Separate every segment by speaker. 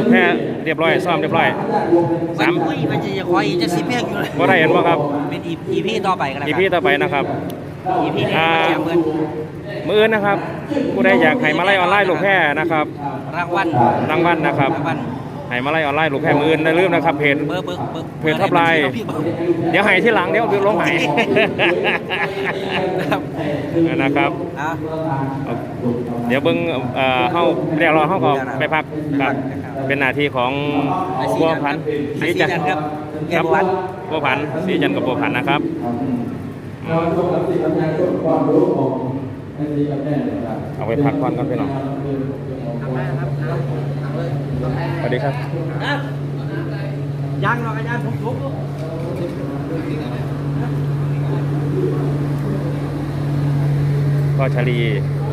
Speaker 1: แพ้เรียบร้อยซ้อมเรียบร้อย
Speaker 2: อุ้ยมันจะคอยจะสิเพลงอยู่เลย
Speaker 1: บ่ได้เห็นบ่ครับ
Speaker 2: เป็นอีพีต่อไปกันแล้ว
Speaker 1: อีพีต่อไปนะครับ
Speaker 2: อีพีนี้มาแจกเงิน
Speaker 1: มื้ออื่นนะครับผู้ใดอยากให้มาไล่ออนไลน์ลูกแพ้นะครับ
Speaker 2: รางวัล
Speaker 1: นะครับ
Speaker 2: รางวัล
Speaker 1: ให้มาไล่ออนไลน์ลูกแพ้มื้ออื่นได้ลืมนะครับเพจ
Speaker 2: เบอร์
Speaker 1: เพจท็อปไลน์เดี๋ยวให้ที่หลังเดี๋ยวลงให้ นะครับ
Speaker 2: อ่ะ
Speaker 1: เดี๋ยวเบิ่งเฮาเรียกรอเฮาก็ไปพักครับเป็นหน้าที่ของบัวพันธ์ศรีจันทร์
Speaker 2: ครับแก
Speaker 1: ครับ
Speaker 2: บัวพันธ์
Speaker 1: บัวพันธ์ศรีจันทร์กับบัวพันธ์นะครับ เอาไปพักผ่อนกันพี่น้องสวัสดีครับ
Speaker 2: ยังหรอกอาจารย์ผมทุบ
Speaker 1: พ่อชาลี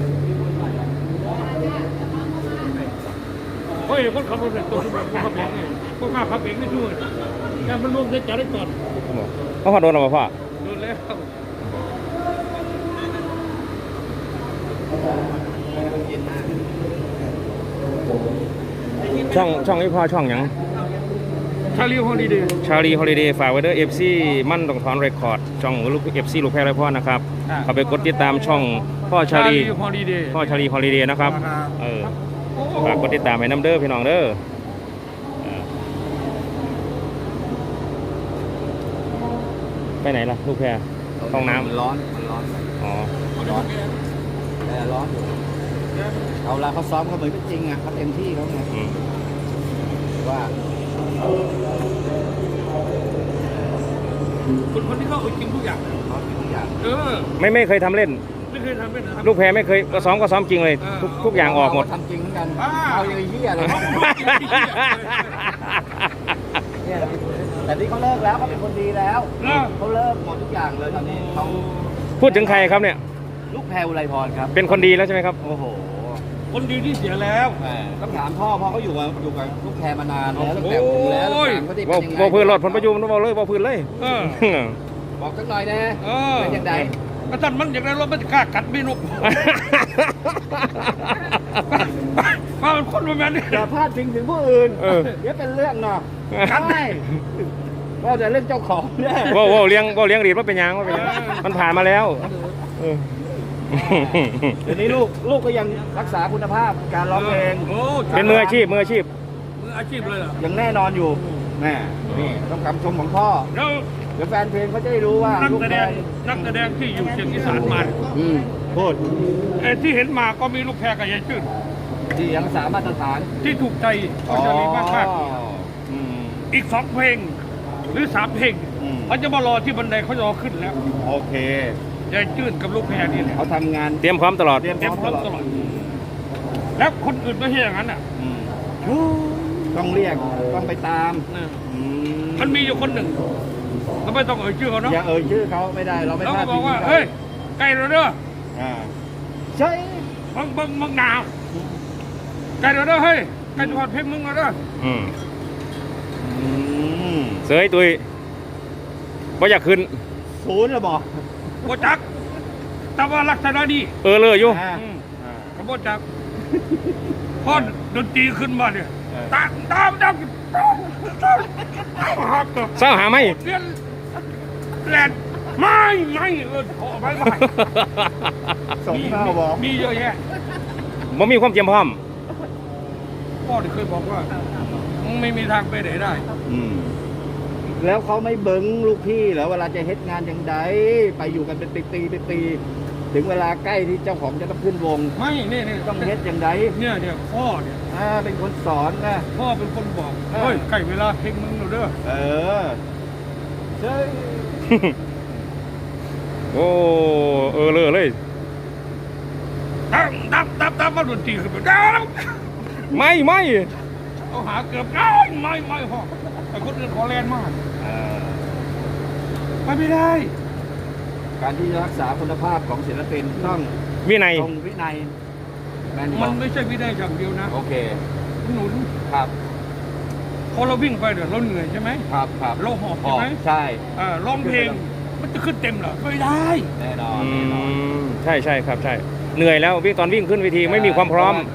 Speaker 3: เฮ้ยคนขับรถเนี่ยตัวคนขับเองไงคนขับเองไม่ช่วยแต่มันลงได้จ่ายได้ก่อน
Speaker 1: พ่อโดนหรือเปล่าพ่อ
Speaker 3: โดนแล้ว
Speaker 1: ช่องนี้พ่อช่องหยัง
Speaker 3: ชาลีฮอลิเดย์
Speaker 1: ชาลีฮอลิเดย์ฝากไว้ด้วย FC มั่นต้องถอนเรคคอร์ดช่องลูก FC ลูกแพ้ไรพ่อนะครับเข้าไปกดติดตามช่องพ่อชาลี
Speaker 3: ฮอลิเดย์
Speaker 1: พ่อชาลีฮอลิเดย์นะครับฝากกดติดตามให้น้ำเด้อพี่น้องเด้อไปไหนล่ะลูกแพรห้องน้ำ
Speaker 2: ร้อน
Speaker 1: อ๋อ
Speaker 2: แต่ร้อนอยู่เอาละเขาซ้อมเขาเหมือนจริงอ่ะเขาเต็มที่เขาไง
Speaker 1: อืม
Speaker 2: ว่า
Speaker 3: คนที่เขาเอาจริงทุกอย่าง
Speaker 2: เขาทุกอย่าง
Speaker 1: ไม่เคยทำเล่น
Speaker 3: ไม่เคยทำเป็นนะครับ
Speaker 1: ลูกแพรไม่เคยก็ซ้อมจริงเลยทุกอย่างออกหมด
Speaker 2: ทำจริงเหมือนกันเอาอย่างเหี้ยเลยแต่ที่เขาเลิกแล้วเขาเป็นคนดีแล้วเขาเลิกหมดทุกอย่างเลยตอนนี้เขา
Speaker 1: พูดถึงใครครับเนี่ย
Speaker 2: ลูกแพรอุไรพรครับ
Speaker 1: เป็นคนดีแล้วใช่ไหมครับ
Speaker 2: โอ้โห
Speaker 3: คนดีที่เสียแล้ว
Speaker 2: ต้องถามพ่อเขาอยู่กับลูกแพรมานานแล้วตั้งแต่ผมแล้วเขาได้เป็นยังไง
Speaker 1: ว่าพื้นรถผลประยุนบอกเลยว่าพื้นเลย
Speaker 2: บอกสักหน่อยนะเป็นยังไง
Speaker 3: กระตันมันอย่างไรรถมันจะกล้ากัดไม่นุกมาเป็นคนแบบนี้
Speaker 2: อย่าพลาดพิงถึงผู้อื่นเดี๋ยวเป็นเรื่องเนาะใช่ก็จะเรื่องเจ้าของเนี่ย
Speaker 1: ว่าเลี้ยงดีดว่าเป็นยังมันผ่านมาแล้ว
Speaker 2: เดี๋ยวนี้ลูกก็ยังรักษาคุณภาพการร้องเพลง
Speaker 1: เป็นมืออาชีพ
Speaker 3: มืออาชีพเลยเหรอ
Speaker 2: ยังแน่นอนอยู่แม่นี่ต้องคำชมของพ่อ
Speaker 3: แล้ว
Speaker 2: เดี๋ยวแฟนเพลงเขาจะได้รู้ว่า
Speaker 3: นัก
Speaker 2: ลูก
Speaker 3: แสด
Speaker 2: แม่
Speaker 3: งที่อยู่เชียงอีสานมา
Speaker 2: พูด
Speaker 3: ที่เห็นมาก็มีลูกแพรกับยายชื่น
Speaker 2: ที่ยังรักษามาตรฐาน
Speaker 3: ที่ถูกใจก็จะมีมากอีก2 เพลงหรือ3 เพลงเขาจะมารอที่บันไดเขาจะรอขึ้นแล้ว
Speaker 2: โอเค
Speaker 3: ยายจื้นกับลูกแพรนี่แหละ
Speaker 2: เขาทำงาน
Speaker 1: เตรียมพร้อมตลอด
Speaker 3: เตรียมพร้อมตลอดแล้วคนอื่นไม่ใช่อย่างนั้นอ่ะ
Speaker 2: ต้องเรียกต้องไปตาม
Speaker 3: มันมีอยู่คนหนึ่งเราไม่ต้องเอ่ยชื่อเขาเนาะ
Speaker 2: อย่าเอ่ยชื่อเขาไม่ได้เราไม่
Speaker 3: แล้ว
Speaker 2: พลา
Speaker 3: ก็
Speaker 2: ด
Speaker 3: บอกว่าเฮ้ยไก่เราเด้อ
Speaker 2: ใช่
Speaker 3: มึงหนาวไก่เราเด้อเฮ้ยไก่จังหวัดเพชรมึงเราเด้อ
Speaker 1: เสยตุยบ่อยากขึ้น
Speaker 2: ศูนย์เหรอบอก
Speaker 3: โบจักแต่ว่าลักษณะดี
Speaker 1: เลยอยู่
Speaker 3: กับโบจักพอดนตรีขึ้นมาเนี่ยตาม
Speaker 1: เศร้าหาไหม
Speaker 3: เรียนแหลนไม่ขอไปไม่
Speaker 2: ส่งเข้าบอก
Speaker 3: มีเยอะแยะ
Speaker 1: บ่มีความเตรียมพร้อม
Speaker 3: พ่อที่เคยบอกว่าไม่มีทางไปไหนได้
Speaker 2: แล้วเขาไม่เบิ้งลูกพี่เหรอเวลาจะเฮ็ดงานอย่างใดไปอยู่กันเป็นปีถึงเวลาใกล้ที่เจ้าของจะต้องขึ้นวง
Speaker 3: ไม่นี่
Speaker 2: ต้องเฮ็ดอย่างใด
Speaker 3: เนี่ยพ่อเนี่ย
Speaker 2: เป็นคนสอนนะ
Speaker 3: พ่อเป็นคนบอกเฮ้ยใกล้เวลาเพลงมึงแล้วเด้อ
Speaker 2: ใช่
Speaker 1: โอ้เลย
Speaker 3: ตับมาดนตรีขึ้นไปได้
Speaker 1: ไม่
Speaker 3: เอาหาเกือบได้ไม่พ่อแต่คนอื่นขอแลนมากไม่ได้
Speaker 2: การที่จะรักษาคุณภาพของศิลปินต้อง
Speaker 1: วินัย
Speaker 2: ตรงวินัย
Speaker 3: มันไม่ใช่วินัยอย่างเดียวนะ
Speaker 2: โอเค
Speaker 3: หนุน
Speaker 2: ครับ
Speaker 3: พอเราวิ่งไปเดี๋ยวเราเหนื่อยใช่ไหม
Speaker 2: ครับ
Speaker 3: เราหอบใช่ไหม
Speaker 2: ใช่
Speaker 3: ร้องเพลงมันจะขึ้นเต็มเหรอไม่ได้
Speaker 2: แน่นอน
Speaker 1: ใช่ครับใช่เหนื่อยแล้วตอนวิ่งขึ้นเวทีไม่มีความพร้อม
Speaker 2: ม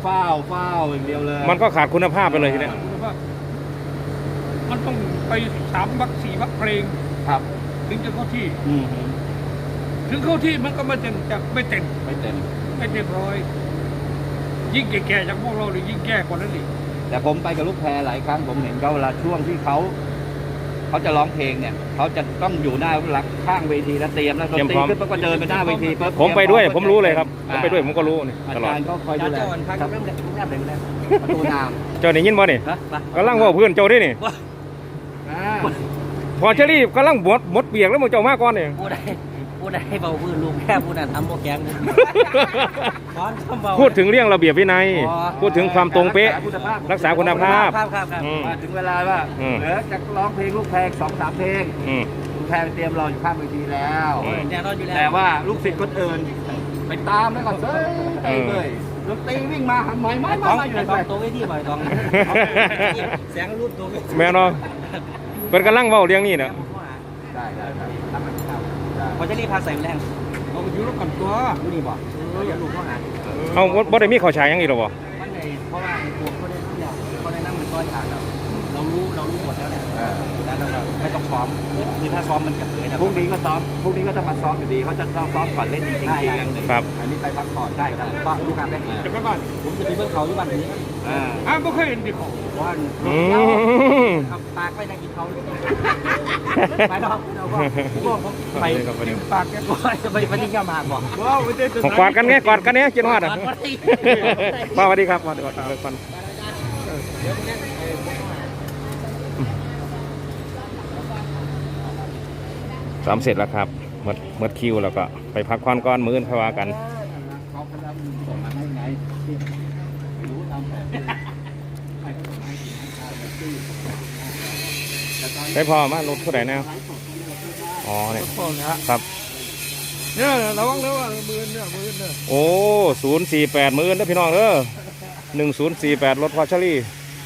Speaker 2: ฟ้าวอย่างเดียวเลย
Speaker 1: มันก็ขาดคุณภาพไปเลยทีเนี้ย
Speaker 3: มันต้องไป3 วรรค 4 วรรคเพลง
Speaker 2: ครับ
Speaker 3: ถึงจะเข้าที่
Speaker 2: อืม
Speaker 3: ถึงเข้าที่มันก็ไม่เต็มจะไม่เต็ม
Speaker 2: ไม่เต็ม
Speaker 3: ไม่เต็มร้อยยิ่งแก่ๆจากพวกเราเลยยิ่งแก่กว่านั้นอีก
Speaker 2: แต่ผมไปกับลูกแพรหลายครั้งผมเห็นเขาเวลาช่วงที่เขาจะร้องเพลงเนี่ยเขาจะต้องอยู่หน้าหลักข้างเวทีแล้วเตรียมแล้วดนตรีขึ้นปุ๊บก็เดินไปหน้าเวทีปุ๊บ
Speaker 1: ผมไปด้วยผมรู้เลยครับผมไปด้วยผมก็รู้นี่
Speaker 2: อา
Speaker 1: ตลอด
Speaker 2: จารย์ก็คอยดูแลครับประตูน้ำ
Speaker 1: เจ้านี่ยินบ่นี่
Speaker 2: นะ
Speaker 1: กำลังเว่าเพื่อนเจ้าด้วยนี่
Speaker 2: อ่า
Speaker 1: พอเชอรี่กำลังหมดเปียกแล้วมึงเจ้ามาก่อนนี่
Speaker 4: ผู้ใดเบาพื้นลุงแค่ผู้นั้นทำโปรแกรมนะคอนทำเบา
Speaker 1: พูดถึงเรื่องระเบียบวินัย พูดถึงความตรงเป๊ะ รักษาคุณภาพ
Speaker 4: ครับ
Speaker 1: อืม
Speaker 2: มาถึงเวลาว่า
Speaker 1: อืม
Speaker 2: เหลือจะร้องเพลงลูกแพร2-3 เพลง
Speaker 1: อืม
Speaker 2: ลูกแพรเตรียมรออยู่ข้างเวทีแล้ว
Speaker 4: แน่นอนอยู่แล้ว
Speaker 2: แต่ว่าลูกศิษย์คนอื่นไปตามแล้วก็เฮ้ยเลยดนตรีวิ่งมาหันไม้
Speaker 4: ต้อง
Speaker 2: อยู่
Speaker 4: ไอ้
Speaker 2: ใน
Speaker 4: ต
Speaker 2: ไฟ
Speaker 4: องตัวไว้ที่บ่อยตองแสงรูปตัวไว้
Speaker 1: แม่เนาะเป็นกำลังเว้าเรื่องนี้นะ
Speaker 2: ได้ได้
Speaker 4: พอจะรีบพาใส่แรง
Speaker 3: เอาไปอยู่แล้วกันตัว
Speaker 4: ดูนี่บ่อย่าลูกเขาหา
Speaker 1: เอาบ่ได้มีข้าวฉายหยังอีกหรอบ่
Speaker 4: มันในเพราะว่าตัวเขาได้ทุกอย่างเขาได้นั่งเหมือนก้อยขาดเรารู้หมดแล้วแหละแล้วเราไม่ต้องซ้อมคือถ้าซ้อมมันจะเผยนะ
Speaker 2: พรุ่งนี้ก็ซ้อมพรุ่งนี้ก็จะมาซ้อมอยู่ดีเขาจะต้องซ้อมก่อนเล่นจริงๆทีนึง
Speaker 1: ครับ
Speaker 2: อันนี้ไปพักผ่อนได้ครับ
Speaker 4: ก็ลูกค้าได้
Speaker 3: จะไปบ้าน
Speaker 4: ผมจะไปเบิ่งเขาอยู่บ้านนี้
Speaker 3: ไม่เคยเห็นดิของ
Speaker 2: ว่า
Speaker 1: อืม
Speaker 4: เอาปากไปนั่งกินเขาไปเนาะเราก็ไป
Speaker 3: ปากแก
Speaker 4: ไปที่เจ้ามาบอก
Speaker 3: ว้าวไม่ได้จะ
Speaker 1: กอดกันไงกอดกันเนี่ยกินฮอดอ่ะป้าสวัสดีครับสวัสดีครับสามเสร็จแล้วครับหมดคิวแล้วก็ไปพักผ่อนก่อนมื้ออนค่อยว่ากัน
Speaker 2: เขาพยายามส่งมาให้ไงที่รู้ตามแผน
Speaker 1: ได้พอมารถเท่าไหร่นะอ๋อเนี่ย
Speaker 3: พ่อนะครับ เนี่ยระวังแล้วว่ามือเนี่ย
Speaker 1: โอ้048มื้อนะพี่น้องเด้อ1048รถพอชลี่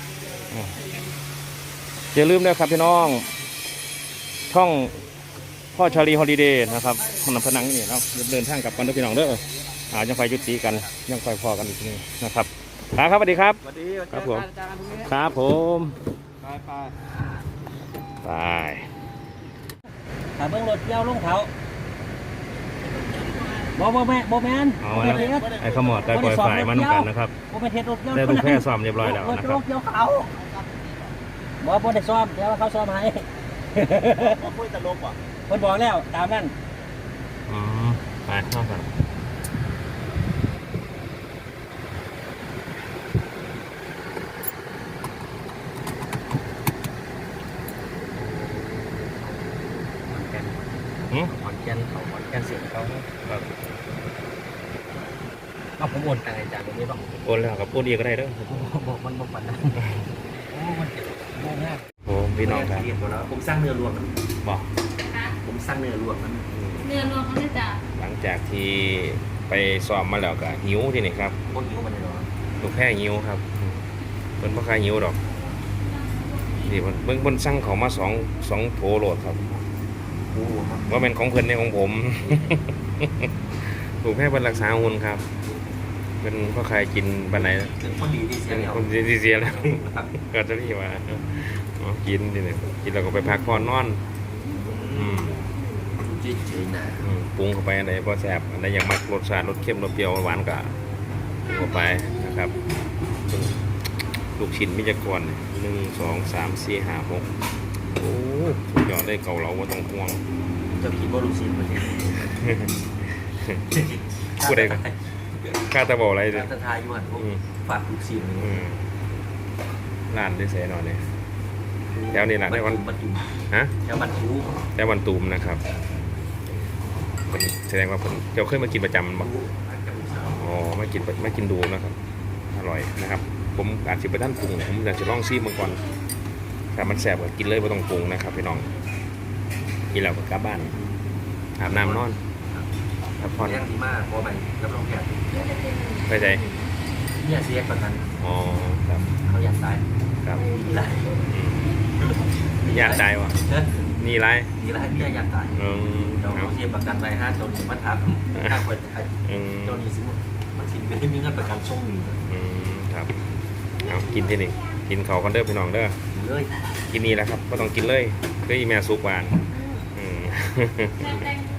Speaker 1: อย่าลืมนะครับพี่น้องช่องพ่อชาลีฮอลิเดย์นะครับขนมพนังนี่เนาะเดินทางกลับกันด้วยพี่น้องเด้อยังไฟยุติกันยังไฟพอกันอีกทีนะครับครับสวัสดีครับ
Speaker 2: สวัสดี
Speaker 1: ครับผม
Speaker 2: อาจารย์พรุ่งนี้
Speaker 1: ครับผม
Speaker 2: ไป
Speaker 1: ไป
Speaker 4: ถ้าเบิ่งรถเกี่ยวลงเขาบ่แม่น
Speaker 1: เอาแล้วไอ้ขมอดได้ปล่อยฝ่ายมานุ่กันนะครับ
Speaker 4: บ่เป็นเทศรถเกี่ยว
Speaker 1: ได้ลูกแพร่ซ้อมเรียบร้อยแล้วนะครับ
Speaker 4: รถเกี่ยวเขาบ่ได้ซ้อมเดี๋ยวเขาซ้อมให้
Speaker 2: คุยตลกว่ะ
Speaker 4: เพิ่นบอกแล้วตามนั้น
Speaker 1: อืมไปเข้ากันหืม
Speaker 4: ขอนแก่นเขาขอนแก่นเสียงเขา
Speaker 1: ครับ
Speaker 4: เอาผมโอนตังค์อาจารย์ตรงนี้บอก
Speaker 1: โอนแล้วครับโอนอีกก็ได้เด้อ
Speaker 4: บอกมันบอกปันนะโอ้มันเจ็บมาก
Speaker 1: โอ้พี่น้องครับ
Speaker 4: เรียนหมดแล้วผมสร้างเนื้อรวมมัน
Speaker 1: บอก
Speaker 4: ผมสร้างเนื้อรวมมัน
Speaker 5: เนื้อรวมเขาจะ
Speaker 1: หลังจากที่ไปซ้อมมาแล้วก็หิวที่นี่ครับ
Speaker 4: พวกหิวมันเลยเนาะ
Speaker 1: ลูกแพร่หิวครับเพิ่นบ่คายหิวดอกนี่เบิ่งเพิ่นสั่งเขามาสองโถโหลดครับ
Speaker 4: โอ้โห
Speaker 1: ว่าเป็นของเพิ่นในของผม ลูกแพร่เพิ่นรักษาหุ่นครับเพิ่นบ่คายกินปานไหน
Speaker 4: เป็นคนดีที่เสี
Speaker 1: เป็
Speaker 4: ย
Speaker 1: น
Speaker 4: แล้ว
Speaker 1: คนที่เสียแล้ว ก็จะนี่ว่าอ๋อกินที่นี่กินแล้วก็ไปพักผ่อนนอนอืม
Speaker 4: จริงๆนะ
Speaker 1: ปรุงเข้าไปอันไหนพอแซ่บอันไหนอยากมักรสชาติรสเค็มรสเปรี้ยวหวานก็ปรุงเข้าไปนะครับลูกชิ้นมิจกร1 2 3 4 5 6โอ้สุดยอดได้เก่าเราว่าต้องห่วง
Speaker 4: จะคิดว่าลูกศิษย์มันเนี่ย
Speaker 1: พูดได้กันข้าตะบอกอะไรเลย
Speaker 4: จะทายอยู่หันพวกฝากลูกศิษย์
Speaker 1: ร้านได้เสียหน่อยเนี่ยแถวนี้แหละได้วัน
Speaker 4: บรรจุ
Speaker 1: ฮะ
Speaker 4: แถวบรรจุ
Speaker 1: ได้วันตูมนะครับเพิ่นแสดงว่าเพิ่นเจ้าเคยมากินประจำบ่อ๋อไม่กินดูนะครับอร่อยนะครับ ผมอาจจะไปท่านปรุงผมอยากจะลองซีมันก่อนถ้ามันแสบก็กินเลยไม่ต้องปรุงนะครับพี่น้องกินแล้วก็กลับบ้านอาบน้ำนอนพักผ่อน
Speaker 4: เรื่องดีมากเพราะไปรับรองแพทย์
Speaker 1: ไปใจ
Speaker 4: เนี่ยเสียประกัน
Speaker 1: อ๋อครับ
Speaker 4: เขาอยากตาย
Speaker 1: ครับ
Speaker 4: นี่ไร
Speaker 1: อยากได้วะนี่ไร
Speaker 4: นี่ไรเนี่ยอยากตาย เรา
Speaker 1: เอา
Speaker 4: เสียประกันไป5ตัวนี้มาทับถ้าคน
Speaker 1: อืม
Speaker 4: ตัวนี้สิมันสิไม่ได้มีเงินประกันส่งหนึ่ง
Speaker 1: อืมครับเอากินที่นี่กินเขาวกันเด้อพี่น้องเด้อ
Speaker 4: เลย
Speaker 1: กินนี่แหละครับก็ต้องกินเลยก็อีแม่ซุปหวานอืม